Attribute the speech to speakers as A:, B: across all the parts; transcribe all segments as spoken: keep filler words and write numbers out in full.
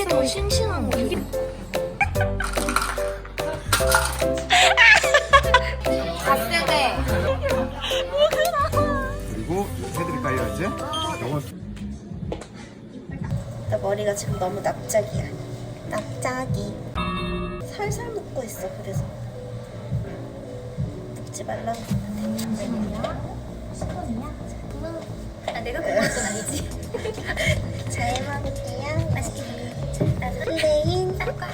A: 이게 더 싱싱한 거. 이게 갓세대.
B: 그리고 해드릴까요 이제? 요거
A: 나 머리가 지금 너무 납작이야. 납작이. 살살 묶고 있어. 그래서 묶지 말라고 했는데. 십 원이야? 아, 내가 그런 건 아니지. 잘 먹을게요. 맛있게. 나 설레인 사과.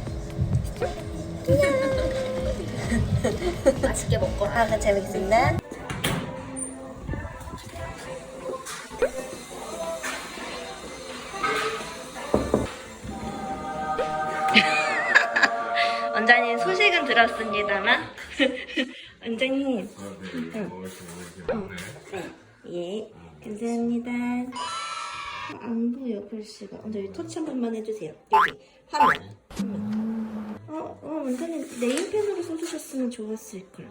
A: 맛있게 먹고. 아, 잘 먹겠습니다. 원장님 소식은 들었습니다만 원장님 예 감사합니다. 안 보여 글씨가. 원장님 터치 한 번만 해주세요. 여기 화면 어, 어 원장님 네임펜으로 써주셨으면 좋았을걸.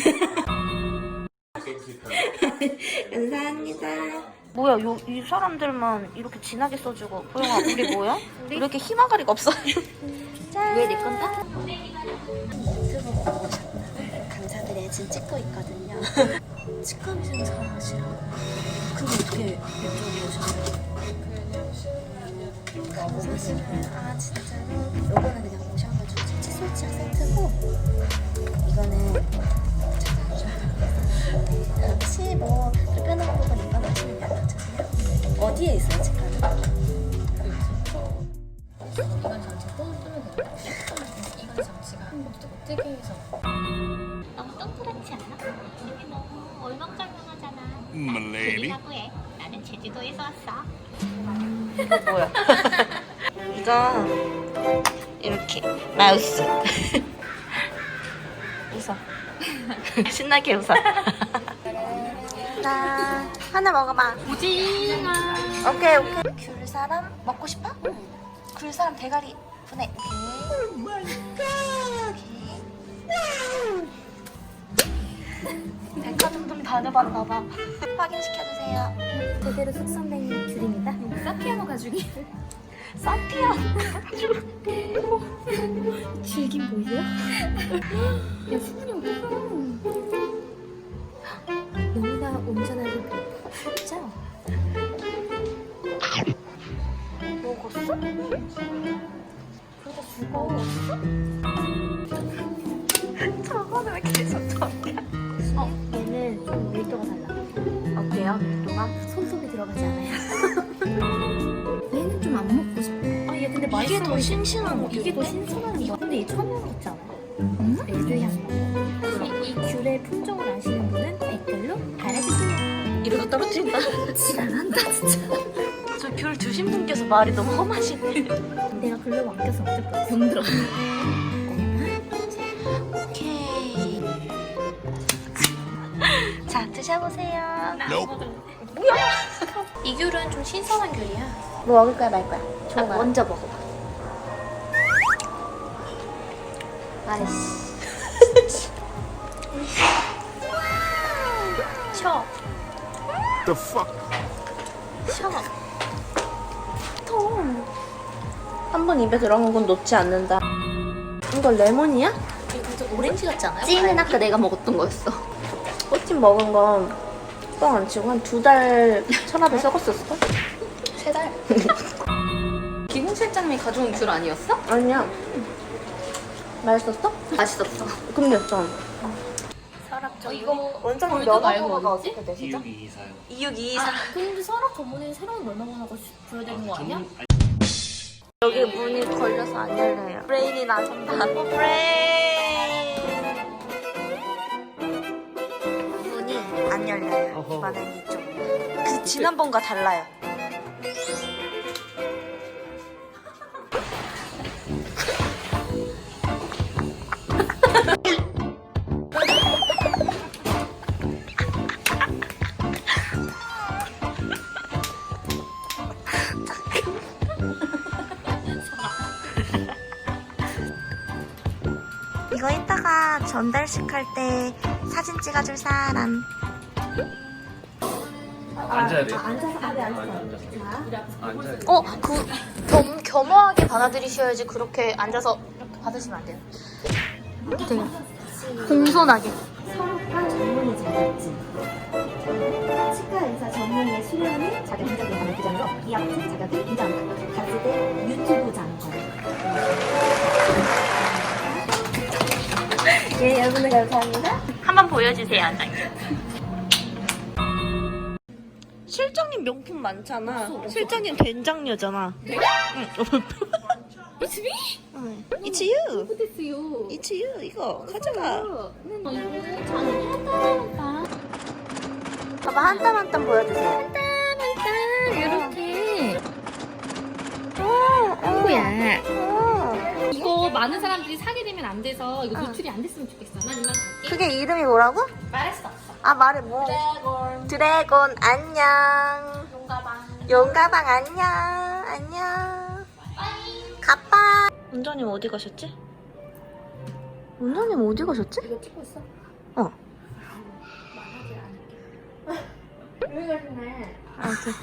A: 감사합니다. 뭐야 요, 이 사람들만 이렇게 진하게 써주고 보영아 우리 뭐야? 우리 이렇게 희망가리가 없어. 왜 내 건다? 유튜브 보고 오셨나? 감사드려요. 지금 찍고 있거든요. 치과미생 사랑하시라고? 그거 어떻게 이쪽으로 오셨나요? 사실은 아 진짜로 요거는 그냥 오셔가지고 칫솔 치약 세트고 이거는 혹시 뭐 불편한 부분 입원하시면 연락 주세요. 어디에 있어요 치과는?
C: 이건 잠시 또 뜨면 돼요. 이건 잠시가 못 뜨게 해서.
D: 너무 동그랗지 않아? 여기 너무 얼망절망하잖아.
B: 말레이리
D: 들리라고 해. 나는 제주도에서 왔어.
A: 이거 뭐야? 이거 이렇게 마우스. 웃어. 신나게 웃어. 나 하나 먹어봐.
D: 오징어.
A: 오케이 오케이. 귤 사람 먹고 싶어? 응. 귤 사람 대가리 보내. 백화점 좀 다녀봤나봐. 확인시켜주세요.
D: 제대로 숙성된 귤입니다. 사피아노 가죽이.
A: 사피아.
D: 질긴 보이세요? 야 수분이 없어. 너무나 온전하게 진짜.
A: 먹었어? 그래도 죽었어? 저거는 왜 계속 저기야?
D: 어 얘는 좀 밀도가 달라.
A: 어때요? 밀도가?
D: 손톱이 들어가지 않아요. 얘는 좀 안 먹고 싶어. 아 얘 근데 맛있어.
A: 이게 더 싱싱한 거.
D: 이게 더 신선한 거. 근데 이 천연 있지 않아? 응? 레드향. 그래서 이 귤의 품종을 아시는 분은 댓글로 달아주세요.
A: 이러다 떨어진다.
D: 지랄한다 진짜.
A: 저 귤 드신 분께서 말이 너무 험하시네.
D: 내가 글로 맡겨서 어쩔 뻔했어. 병들어.
A: 오케이. 자, 드셔보세요.
D: 뭐야? 이 귤은 좀 신선한 귤이야.
A: 뭐 먹을 거야, 말 거야?
D: 아,
A: 좋아.
D: 먼저 먹어봐.
A: 아이씨.
D: 셔.
B: The fuck?
D: 셔.
A: 통. 한 번 입에 들어간 건 놓지 않는다. 이거 레몬이야?
D: 이거 좀 오렌지 같지 않아요?
A: 찐은 아까 내가 먹었던 거였어. 꽃찜 먹은 건 뻥 안 치고 한 두 달 천압에 썩었었어?
D: 세 달.
C: 기공 실장님이 가져온 귤 아니었어?
A: 아니야. 맛있었어?
C: 맛있었어.
A: 금렸어.
D: 서랍 저
C: 이거
A: 원장님
C: 골드 말고
A: 면허번호가
C: 어디지?
A: 어떻게 되시죠?
E: 이육이이사요.
A: 이육이이사.
D: 아, 근데 서랍 전문에 새로운 면허번호가 줘야 되는 거 아니야?
A: 여기 문이 걸려서 안 열려요. 브레인이 나선다. 어, 브레인. 문이 안 열려요.
E: 어허.
A: 이번엔 이쪽. 그 지난번과 달라요. 이거 이따가 전달식 할 때 사진 찍어줄 사람.
E: 앉아야 돼.
D: 앉아서 아래 앉아서.
E: 앉아야 돼.
A: 어, 그 겸, 겸허하게 받아들이셔야지 그렇게 앉아서 이렇게 받으시면 안 돼요. 되게 공손하게.
D: 성과 전문의 자격증. 치과 의사 전문의 수련을 자격 인정에 관한 규정으로 이학생 자격을 인정한다. 가지대 유튜브 장관. 예, 여러분들 감사합니다.
A: 한번 보여주세요, 원장님. 실장님 명품 많잖아. 실장님 된장녀잖아. 내가? 응.
C: It's me?
A: 응. It's you.
C: What is you?
A: It's you. 이거 가져가.
C: 이거 저는 한땀한땀
A: 봐봐, 한 땀 한 땀 보여주세요.
C: 한땀한땀 이렇게.
A: 어,
C: 친구야.
A: 어.
C: 이거 많은 사람들이 사게 되면 안 돼서 이거 노출이 안 됐으면 좋겠어. 난 이만 갈게.
A: 그게 이름이 뭐라고?
C: 말할 수 없어.
A: 아, 말해 뭐.
C: 드래곤.
A: 드래곤 안녕.
C: 용가방.
A: 용가방 안녕. 안녕. 가빠. 원장님 어디 가셨지? 원장님 어디 가셨지?
C: 이거 찍고 있어?
A: 어.
C: 말하지 않을게. 왜 그러네?
A: 아무튼.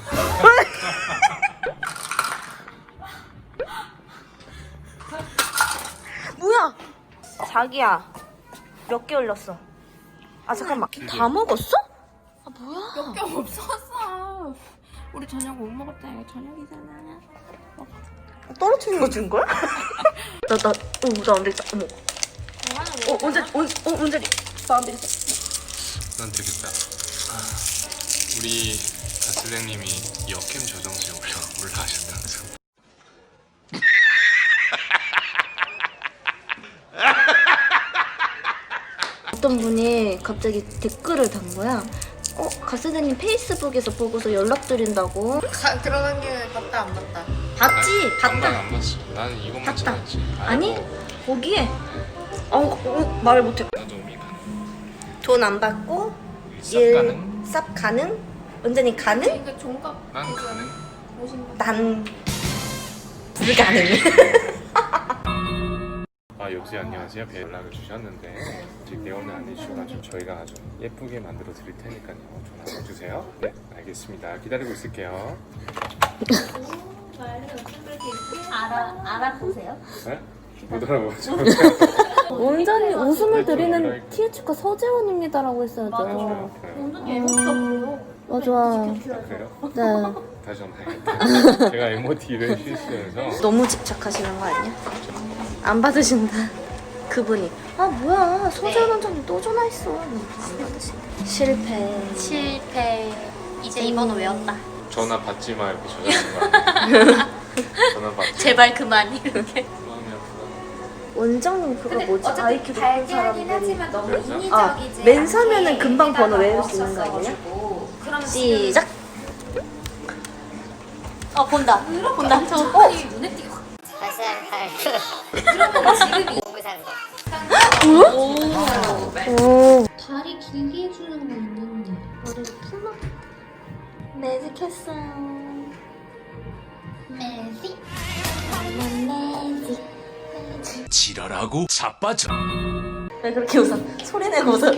A: 뭐야? 자기야. 몇 개 올렸어? 아 잠깐만. 다 먹었어? 아 뭐야?
C: 몇 개 없었어. 우리 저녁 못 먹었다. 이거 저녁이잖아.
A: 떨어뜨린 거 준 거야? 나, 나, 어, 나 안 되겠다. 어머. 어, 언제, 언, 어, 언제, 나안 되겠다.
E: 난 되겠다. 아, 우리 가스장님이 역캠 저정실 올라 올라가셨다면서.
A: 어떤 분이 갑자기 댓글을 단 거야. 어, 가스대님 페이스북에서 보고서 연락드린다고.
F: 가, 들어간 게 봤다 안 봤다.
A: 봤지?
E: 반만
A: 봤다.
E: 안 봤어. 나는 이것만
A: 봤다.
E: 찍었지.
A: 아니,
E: 아이고,
A: 거기에. 어, 어 말을 못해.
E: 나도 미 가능.
A: 돈 안 받고,
E: 쌉 가능.
A: 쌉 가능? 완전히 가능?
C: 그러니까 종각
E: 난 가능.
C: 오신 거.
A: 난 불가능.
E: 아 여보세요 안녕하세요. 배 연락을 주셨는데 아직 내원을 안 해주셔가지고 저희가 아주 예쁘게 만들어 드릴 테니까요. 전화 주세요. 네 알겠습니다. 기다리고 있을게요.
A: 알아, 알아보세요.
E: 네? 못 알아보죠.
A: 원장님 웃음을 드리는
E: 그러니까.
A: 티에츠카 서재원입니다라고 했어야죠.
E: 그래요?
A: 맞아.
E: 아, 그래요?
A: 네.
E: 다시 한번 해야겠다. 제가 에모티를 실수해서
A: 너무 집착하시는 거 아니야? 안 받으신다. 그분이 아 뭐야 서재원 원장님 또 전화했어. 안 받으신다. 실패.
F: 실패. 이제 이 번호 외웠다.
E: 전화 받지 마 이렇게 저장하는 거 아니에요? 전화 받지 마.
F: 제발 그만 이렇게.
E: 마음이 아프다.
A: 원장님 그거 뭐지? 아이큐 높은
C: 하긴
A: 사람들이
C: 하지만 너무
A: 아,
C: 인위적이지.
A: 맨사면은 금방 번호 외울 수 있는 거 아니냐?
C: 그럼
A: 시작.
F: 어 본다. 본다. 저
A: 어?
C: 눈에 띄게 확.
F: 그러면 지금이
A: 오.
C: 다리 길게 해주는 거 있는데.
A: 머리를 풀러. 매직했어요.
C: 매직.
A: 매직.
B: 지랄하고 자빠져.
A: 왜 그렇게 웃어? 소리 내고 웃어.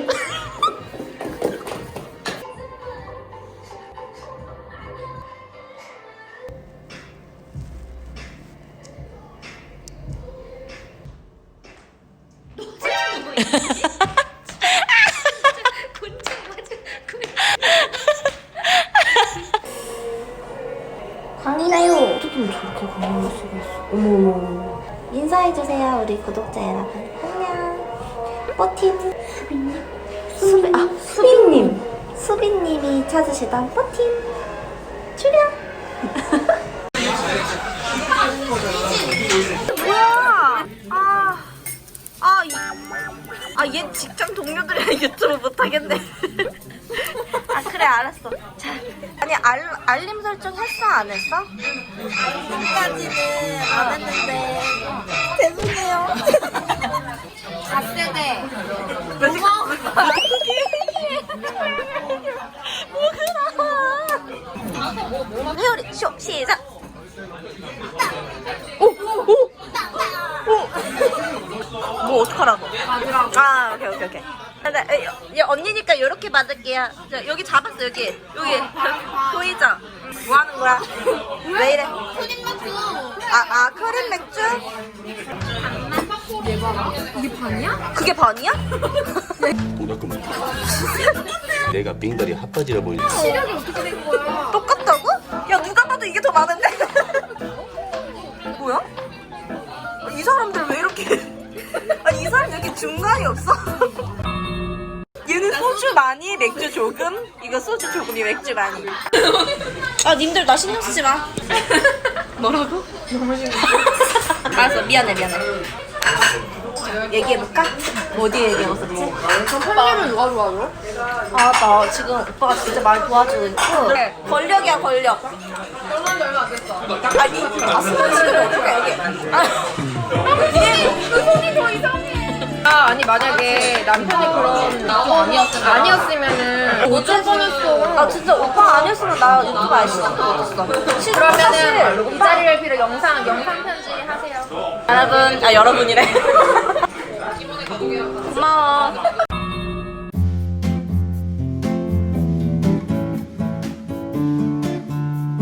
A: 강이나요. 어떻게 저렇게 강의할 수가 있어? 어머머. 인사해주세요 우리 구독자 여러분. 안녕. 뽀팀. 수빈님. 수빈. 아 수빈님. 수빈님이 찾으시던 뽀팀. 출연. 뭐야? 아, 아, 이, 아, 얘 직장 동료들이랑 유튜브 못하겠네. 아, 그래, 알았어. 자, 아니, 알, 알림 설정 했어, 안 했어? 아직까지는 안 했는데. 죄송해요.
C: 갓세대.
A: 뭐가 뭐가 회오리 쇼 시작. 오! 오! 오! 뭐 어떡하라고? 아 오케이 오케이 오케이. 나, 나, 여, 여, 언니니까 이렇게 받을게요. 자, 여기 잡았어 맞아 여기 여기 보이죠? 뭐 하는 거야? 왜 이래?
C: 크림 맥주.
A: 아, 아 크림 맥주?
C: 이게 반이야?
A: 그게 반이야?
G: 뭐랄까 내가 빙다리 핫바지라 보이지.
C: 시력이 어떻게 된 거야?
A: 똑같다고? 야 누가 봐도 이게 더 많은데? 뭐야? 이 사람들 왜 이렇게 아니 이 사람 왜 이렇게 중간이 없어? 얘는 소주 많이 맥주 조금 이거 소주 조금이 맥주 많이 아 님들 나 신경 쓰지 마 뭐라고? 너무 신경 써 알았어 미안해 미안해 얘기해볼까? 뭐 어디 얘기해봤었지?
C: 선배님은 누가 좋아하죠?
A: 아 나 지금 오빠가 진짜 많이 도와주고 있고 권력이야 권력
C: 얼마 얼마 안 됐어.
A: 아니 아 스포츠를 어떻게 여기
C: 아 아니 만약에 남편이 그런 거 아니었으면 아니었으면은 어쩔 뻔했어.
A: 아 진짜 오빠 아니었으면 나 유튜브 아예 시작도 못했어 지금 사실
C: 그러면은 이 자리를 빌어 영상 영상 편지 하세요.
A: 여러분 아 여러분이래 고마워